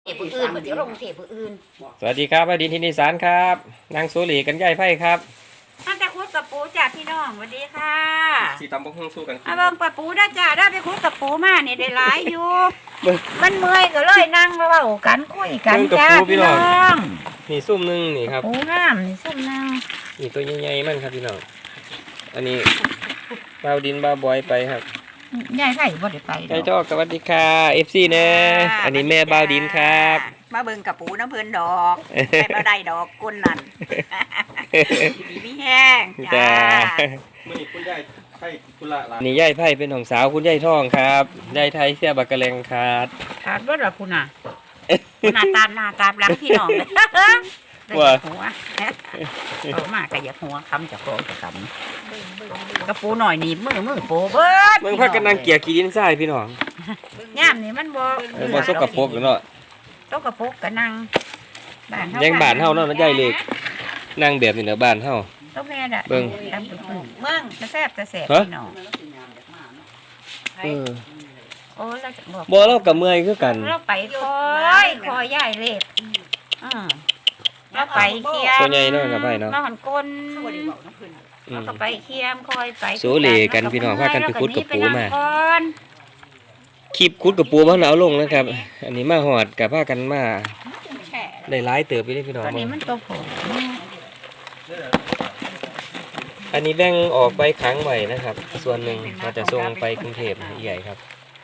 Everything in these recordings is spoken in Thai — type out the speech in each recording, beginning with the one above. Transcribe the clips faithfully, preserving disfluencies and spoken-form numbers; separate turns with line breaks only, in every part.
ผู้อื่นเดี๋ยวลงเทผู้อื่น
สวัสดีครับอดินทินิสารครับนางสุรีกันย่ายไพ่ครับ
ท่านจะคุดกับปูจ่าพี่น้องสวัสดีค่ะ
สีตำบกฮงสู้กัน
อาเบิ่งปะปูได้จ่าได้ไปคุดกับปูมาเนี่ยได้หลายอยู่มันเมื่อยก็เลยนั่งเล่ากันคุยกันจ้าพี่น้อง
นี่ซุ่มนึงนี่ครับ
ปูงามนี่ซุ่มนึง
นี่ตัวใหญ่ๆมันครับพี่น้องอันนี้บาวดินบาวบอยไปครับ
ยายไผ่บ่ได้ไป
ยายจอกสวัสดีค่ะเอฟซีนะอันนี้แม่บาวดินครับ
มาเบิ่งกับปูน้ำเพิ่นดอกแม่บ่ได้ดอกก้นนั่นดีมีแห้งจ้า
มื้อนี้คุณยายไผ่กุละล่ะนี่ยายไผ่เป็นของสาวคุณยายทองครับยายไทยเสียบักกะแลงขาด
ขาดบ่ล่ะคุณน่ะหน้าตาหน้าตาหลังพี่น้องเลย
ว่า
หัวโตมากก็อยากหัวคำจากโกงจากคำกระปูหน่อยนี่มือมือปูเบิด
เมืองพักกันนั่งเกี่ยขี้ดินทรายพี่น้อง
ย่ามนี่มันบ่
บ่สกปรกเนาะ
สกปรกก็นั่ง
บ้านเฮายังบ้านเฮาเนาะใหญ่เล็กนั่งแบบนี้เนาะบ้านเฮา
ต้องแม่น่ะเบิ่งเมืองจะแซ่บจะแซ่บพี่น้อง
เออ
โอ้เราจะบอก
บ่เราก็เมื่อยคือกัน
เราไปคอยคอยใหญ่เล็กอือเราไปเคียม
ตัวใหญ่เนาะกับไผเนาะ
เราหันก้นเราก็ไปเคียมคอยไป
โซเลกันพี่น้องพากันไปขุดกับปูมาคลิปขุดกับปูมาเอาลงนะครับอันนี้มาหอดกับพากันมาได้หลายเติบไปเลยพี่น้อง
อันนี้มันตัวผม
อันนี้แบ่งออกไปขังไว้นะครับส่วนหนึ่งเราจะส่งไปกรุงเทพใหญ่ครับ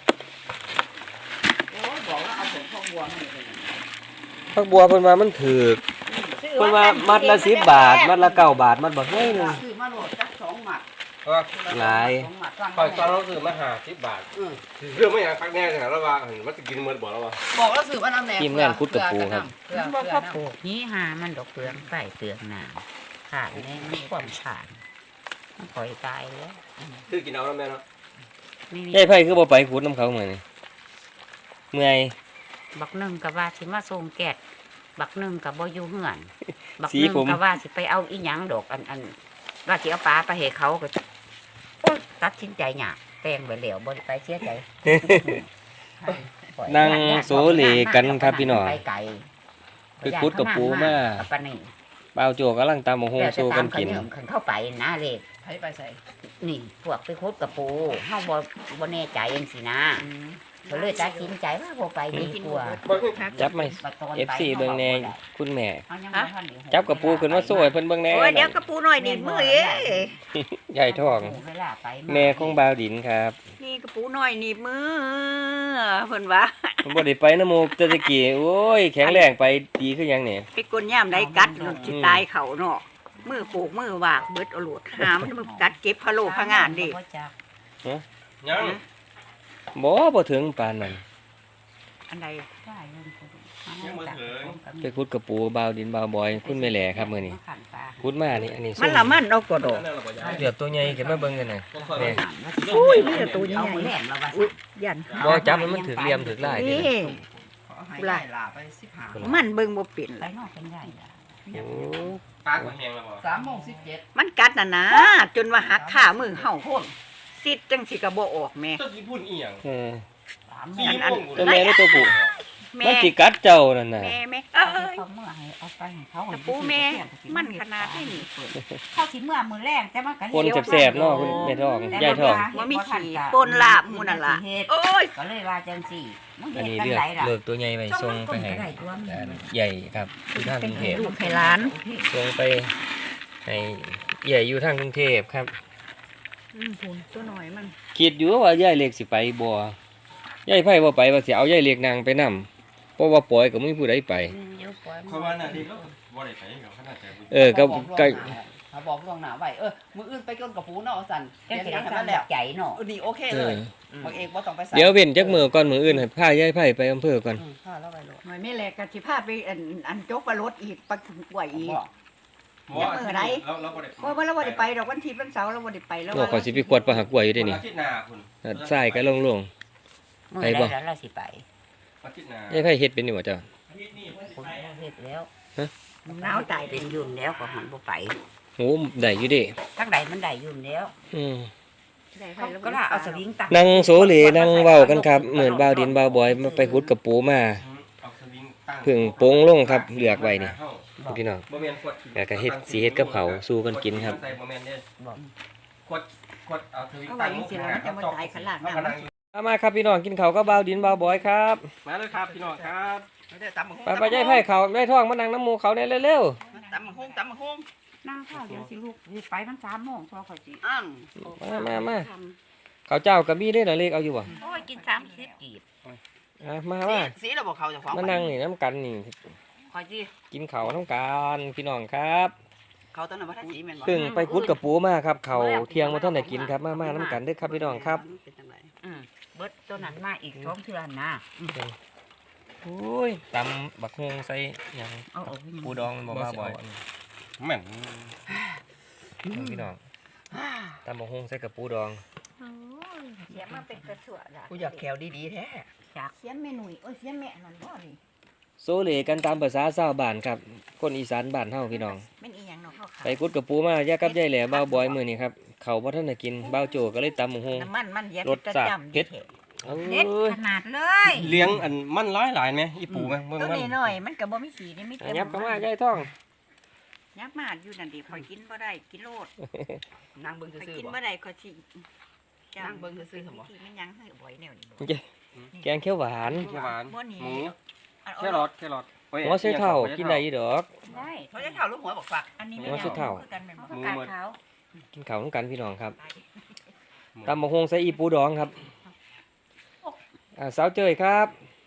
ผักบัวเพิ่นว่ามันถือเพิ่นว่ามัดละสิบบาทมัดละเก้าบาทมัดบ่น้อยนึง
ซื้อมาโหลดจักสองหมัด
หลาย
คอยตอนเราซื้อมาห้าสิบบาทเรื่องไม่อยากคักแน่ขนาดเราว่ามันจะกินเมื่อบ่แล้วว่า
บอกแล้วซื้อมาน้ำแหนม
กินงานคุดกับปูครับ
มันบ่พ่อปลูกนี่หามันดอกเปลืองใส่เปลืองหนาขาดแน่มันความขาดมันปล่อยตายแล้ว
ซื้อกินเอาแล้วแม่เนาะ
เฮ้ยไผ่คือบ่ไปขุดน้ำเขาเหมือนเมื่อย
บักหนึ่งกับว่าสิมาส่งแกะบักหนึ่งกับบ่อยู่เหือนบักหนึ่งกับว่าสิไปเอาอีหยังดอกอันอันว่าสิเอาปลาไปให้เขาก็ตัดสินใจหยาแตงไปเหลวบ่ไปเสียใจ
นั่งโซเลกันครับพี่น้องคือคุดกับปูมาเปล่าโจกำลังตามโฮงโซกันกิน
เข้าไปนะเล็กไปใส่นี่พวกไปคุดกับปูเฮาบ่บ่แน่ใจเองสินะก็เลยตัดสินใจว่าบ่ไปดีกว่า
จับไหม เอฟ ซี เบิ่งแน่คุณแม่จับกระปูขึ้นมาสวยเพิ่นเบิ่งแน่
โอ้ยเดี๋ยวกระปูหน่อยนิดมือเอ้
ใหญ่ท้องแม่ของบาวดินครับ
นี่กระปูหน่อยนิดมือเพิ่นว่า
เพิ่นบ่ได้ไปนำหมู่แต่ตะกี้โอ้ยแข็งแรงไปดีคือหยังนี่
ไปกลยามใดกัดสิตายเขาเนาะมือโขกมือวากเบิดเอาโลดหามันมันกัดเก็บพะโลพะงานดิ
ฮะยังบ่บ่ถึงปานนั้น
อันใด
ไปขุดกับปูบาวดินบาวบอยคุณแม่แหล่ครับมื้อนี้ขุดมานี่อันนี้
มันละมันเอากระโดด
เดี๋ยวตัวใหญ่ขึ้นมาเบิ่งกันหน่อยแม่
อุ้ยนี่ตัวใหญ่อุ้ยยัน
บ่จับมันถึกเหลี่ยมถึกลาย
นี่ลายมันเบิ่งบ่เป็นเลย
โอ้
ปากแห้งแล้วบ่
สามโมงสิบเจ็ดมันกัดน่ะนะจนว่าหักขามือเห่าโพดซิดจังสิก็บ่ออกแม่
ตัวสิพูดอีหยัง
เอออันๆตัวแม่หรือตัวผู้มันสิกัดเจ้านั่นน่ะ
แม่แม่เอ้ยเอาไปให้เขาตะปูแม่มันขนาดนี้เข้าสิเมื่อมื้อแรกแต่มันก็
คนแซ่บๆเนาะคุณแม่ท้องยายท้อง
บ่มีขี้ปนลาบหมู่นั่นล่ะโอ้ยก็เลยว่าจังซี่
อันนี้เลือกเลือกตัวใหญ่ไปส่งไปให้ใหญ่ครับอยู่ทางกรุงเทพ
ลูกให้หลาน
ส่งไปให้ใหญ่อยู่ทางกรุงเทพครับ
อืมพุ่นตัวน้อยมัน
คิดอยู่ว่ายายเล็กสิไปบ่ยายไผบ่ไปว่าสิเอายายเล็กนางไปนำเพราะว่าปล่อยก็บ่มีผู้ใดไป
เพราะว่าน่ะที่บ่ได้ไปกับคณะใจ
เออก็ก็
บอกล่วงหน้าไว้เออมื้ออื่นไปก้นกับปูเนาะสั่น
เดี๋ยวสั่นแล้วใจเนาะ
เออนี่โอเคเลยบางเอกบ่ต้องไปสั่น
เดี๋ยวเว้นจักมื้อก่อนมื้ออื่นให้พายายไผไปอำเภอก่อน
อือพาแล้วไปโลด
หน่อยแม่แลกก็สิพาไปอันอันจกปลารถอีกไปถึงป่วยอีก
บ่มื้อใดเราเราบ่ได้
บ่บ่เราบ่ได้ไปดอกวันอาทิตย์วันเสาร์เราบ่ได้ไปแล้ว
ว่าขอสิไปกวดปลาหักกล้วยอยู่เด้นี่
อาทิตย์หน้าพุ่น
ทรายก็ลง
ๆไปบ่แล้วเราสิไป
อาทิตย์หน้า
ยายไผเฮ็ดเป็นนี่บ่เจ้า
เฮ็ดแล้วฮะหนาวตายเป็นยุ่นแล้วก็หันบ่ไป
โอ้ได้อยู่เด้
ทางใดมันได้ยุ่นแล้ว
อือ
ก็ล่ะเอาสวิงตัก
นั่งโซเลนั่งเว้ากันครับเหมือนบ่าวดินบ่าวบอยมาไปขุดกับปูมา
เอาสวิง
เพิ่งโป่งลงครับเลือกไว้นี่พี่น้องแล้วก็เฮ็ดสีเฮ็ดกับเขาวสู้กันกินครับ
ขวดขวดเอาทวิต
เอาไว้จริงๆแล้วมันจะมาตายขนาดนั้น
มามาครับพี่น้องกินเขาวก็เบาวดินเบาวบอยครับ
มาเลยครับพี่น้องครับ
ไม่ได้ตำบักหุ่ง
ไปไปย่ายไผ่เขาได้ท้องมานั่งน้ำหมูเขาได้เร็ว
ตำบักหุ่งตำบักหุ่ง
นั่งข้าวเดี๋ยวสิลูกสิไปมันสามโมงพอข่อยสิ
อ้าง
ๆมามามาเขาวเจ้ากับบี้ได้เหรอเลขเอาอยู่บ่
โอ้ยกินสามสิบกีบ
อ่ะมามา
สีเราบอกเขาจะฟ้อง
มานั่งนี่น้ำกันนี่
คอยจี
กินเขาวน้ำกันพี่น้องครับ
เขาตอนนั้นว่าถ้าสีแม่นบ่
เพิ่งไปคุดกับปูมาครับเขาวเที่ยงมาท่านได้กินครับมามาน้ำกันเด้อครับพี่น้องครับ
เป็นจังได
อืมเบิดตัวนั้นมาอีกสองเทื่อนะ
โอ้ยตำบักฮวงใส่หยัง
เอาออก
ปูดองมันบ่มาบ่อย
แม่น
พี่น้องตำบักฮวงใส่กับปูดอง
เสียมาเป็นกระสวดอ่ะ
กูอยากแขวดีๆแท้
จากเสียแม่หนุ่ยโอ้ยเสียแม่นั่นบ่ดิ
โซเลกันตามภาษาชาวบ้านครับคนอีสานบ้านเฮาพี่น้อง
แม่นอีหยังเนาะเขาขา
ไปกุดกับปูมาแยกกับยายแหล่บ่าวบอยมื้อนี้ครับเขาบ่ทันได้กินบ่าวโจก็เลยตำบักฮวง
น้ำมันมันเย็น
รสจัดเผ็ด เอ้
เด็ด
ย
ขนาดเลย
เลี้ยงอันมันร้ายหลายไหมอีปูไหมเบิ่ง
ตัว
มัน
นี้หน่อยมันก็บ่มีสีนี่มี
อั
แต่
นยับเข้ามายายท่อง
ยับมาอยู่นั่นดิข่อยกินบ่ได้กินโลด
นางเบิ่ง
ข่อย
ซื่อ
กิน
ๆบ่
บ่ได้ข่อยสิ
นั่งเบิ่งซื่อๆเหรอ
ที่มันยังให้บ่อยแนวนี้บ่
แกงเขียวหวาน
เขียวหวาน
บ่หนี
หมู
อัน
แครอทแครอทโอ้ย
หัวไชเท่ากินได้อยู่ดอก
ได้
เขาจะเท่าลูกหัวบอกฝัก
อันนี้
หัวไชเท้า
คือกันแม่นบ่ผักกาดขาว
กินข้าวน้ำกันพี่น้องครับตำบักฮวงใส่อีปูดองครับอ่าสาวเจยครับ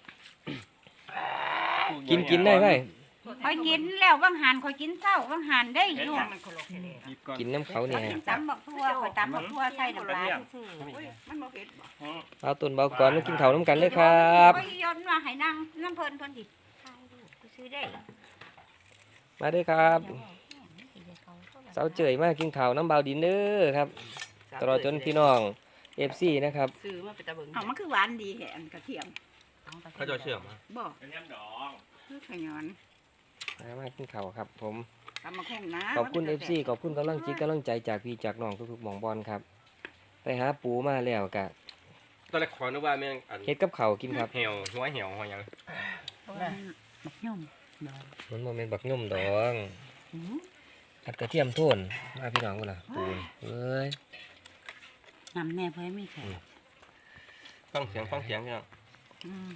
กินกินได้ไหม
ข่อยกินแล้วบางหันข่อยกินเช้าบางหันได้อยู่
กินน้ำเขาเนี่ย
ตำบักทั่วข่อยตำบักทั่วใส่น้ำปลาซื่อ
อุ้ยมันบ่เผ็ดบ่
เอาตุนเบาก่อนมากินข้าวน้ำกันเลยครับ
ข่อยย้อนว่าให้นั่งน้ำเพิ่นเพิ่นสิถ่ายรูปกูซื้อได้
มาเด้อครับสาวเจยมากินข้าวน้ำเบาดินเด้อครับตลอดจนพี่น้องเอฟซีนะครับ
ซื้อมาเป็นตะเบิ่ง
เอามันคือหวานดีแฮะอันกระเทียม
เขาจะเชื่อม
บ่กระเทียมดองคือขยอน
มามากินข้าวครับ ผม
ตำบักหุ่งนะ
ขอบคุณเอฟซีขอบคุณกำลังจิตกำลังใจจากพี่จากน้องทุกๆหมองบอลครับ ไปหาปูมาแล้วกะ
ตอนแรกขอนึกว่าแม่งอัน
เฮ็ดกับข้าวกินครับ
เหี่ยวหัวเหี่ยวหัวหยัง
บักย่อม
มันโมเมนต์บักยุ่มดองผัดกระเทียมโทนมาพี่น้องกูล่ะปูนเอ้ย
น้ำแน่เพื่อให้มีแขก
ฟังเสียงฟังเสียงเนี่ย
อืม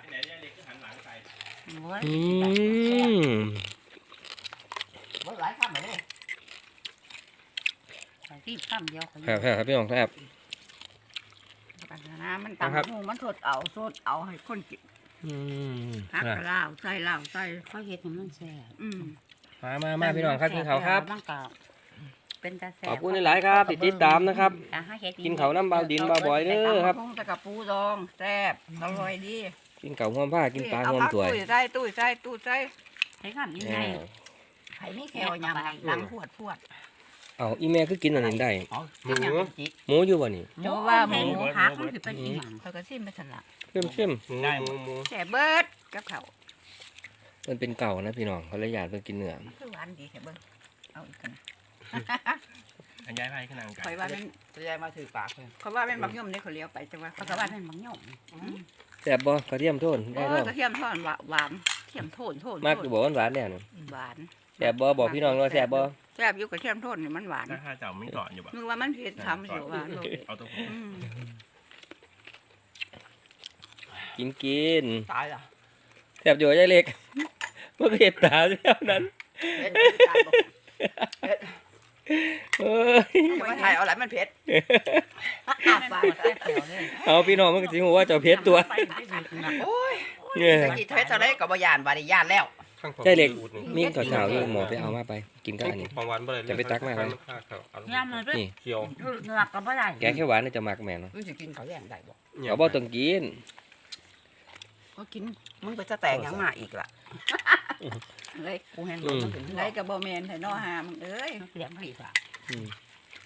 อืม
บ่หลายคำเลย
ใส่ที่ข้ามเดียวเขา
ครับครับพี่น้องครับ
ปัญหามันตำบักหุ่งมันสดเอาสดเอาให้คนกิน
อืม
ฮักเหล้าใส่เหล้าใส่เขาเฮ็ดให้มันแซ่บอืม
มามามาพี่น้องครับกินข้าวครับ
มันก็เป็นตาแซ่บ
ขอบคุณหลายๆครับที่ติดตามนะครับ
อ่าหาเฮ็ด
กินข้าวน้ำเบาดินเบาบ่อยเด้อครับ
ตำบักหุ่งแต่กับปูดองแซ่บอร่อยดี
กินข้าวห่วมผ้ากินปลาห่วมถ้วย
ตู้ใส่ตู้ใส่ตู้ใส่
ให้กันยังไง
อ่า
ไผมีแซวยำหลังพวดพวด
เอาอีแม่คือกินอันนี้ได้
อ๋อกินหยังจิก
หมูอยู่บ่นี่
โจว่าหมูหักมันสิเป็นอีหยัง
เขาก็ซิมไปซั่นล่ะ
เข้มเข้ม
หมูหมูหมู
แซ่บเบิดกับข้าว
ๆมันเป็นเก่านะพี่น้องเขาเลยอยากไปกินเนื้อ
คือหวานดีแท้เบิ่งเอาอีกกัน
อันย้ายไปขึ้นนางกัน
ข่อยว่ามัน
จะยายมาถือปากเพิ่น
เขาว่าเป็นบักย่อมนี่เขาเลี้ยวไปจังว่าเขาก็ว่าเป็นบักย่อม
แซ่บบ่กระเทียมโทน
โอ้
ได้
ย
บ่
กระเทียมทอดหวานเทียมโทนโทน
มากอยู่บ่หวานๆแน่นอน
หวาน
แซ่บบ่บอกพี่น้องว่าแซ่บบ่
แซ่บอยู่กระเทียมโทนนี่มันหวาน
ถ้าข้าเจ้าไม่ก่อนอยู่แบบ
นึกว่ามันเผ็ดทำสิหวานโลด
เอาตัวผม
อืม
กินกิน
ตายล่ะ
แซ่บอยู่ยายเล็กมันก็เห็ดตาเท่านั้น
เผ็ดตายบ่เผ็ด
เอ้ย
จะมาถ่ายเอาอะไรมันเผ็ด
อาปากใส่เปรี้ยวเลย
เอาพี่น้องมันก็สิฮู้ว่าเจ้าเพชรตัว
โอ้ย
เนี่ย
จะกี่เผ็ดเท่าไรก็บ่ย่านบ่ได้ย่านแล้ว
ข้างผม
ใช่เล็ก
อูดนี่
มีข้าวเช้าอยู่หมอไปเอามาไปกินกับอันนี้
ของหวานบ่เลย
จะไปตักมาไหม
ยำมันเป็น
นี่
เคี่ยว
เนื้อก็บ่ได้
แกงเขียวหวานน่าจะมักแม่นเนาะ
มึงสิกินข้าวแย่งได้บ่
เขาบ่ต้องกิน
ก็กิน
มึงไปจะแต่งหยังมาอีกล่ะ
เลย
กูเห็นบ่มันถึง
เลยกับบ่แม่นให้น้อหามึงเอ้ยเลี้ยงพี่ฝาก
อืม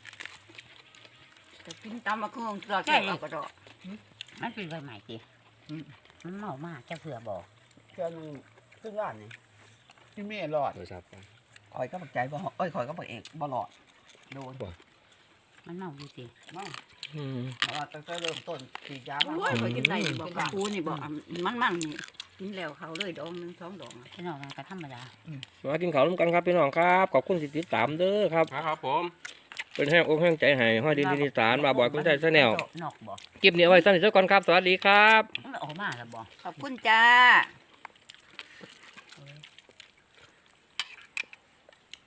จะกินตำบักหุ่งเราแค่เอาก็ดอกมันเป็นใบใหม่ติมันเมามากจะเผื่อบอก
เพื่อนมึงขึ้นร้านนี่ที่แม่รอด
โทรศัพท์
คอยก็บักใจบ่เอ้ยคอยก็บักเอกบ่รอดโดน
มันเมาอยู่ติ
มั่ง
อืม
เพราะว่าตั้งแต่เริ่มต้นฉีดยามา
โอ้ยข่อยกินได้บ่กับปูนี่บ่มันมันนี่นี่แล้วเขาเลยดองหนึ่งสองดองพี่น้องกันก็ธรรมดา
มากินข้าวร่วมกันครับพี่น้องครับขอบคุณที่ติดตามเด้อครับ
ครับผม
เป็นแห้งอกแห้งใจให้ห้อยดินดินอีสานมาบ่อยกุ้งใจแนล
นอกบ่
คลิปนี้เอาไว้สั้นอีกสักก่อนครับสวัสดีครับ
มันออกมาแล้วบ่ขอบคุณจ้า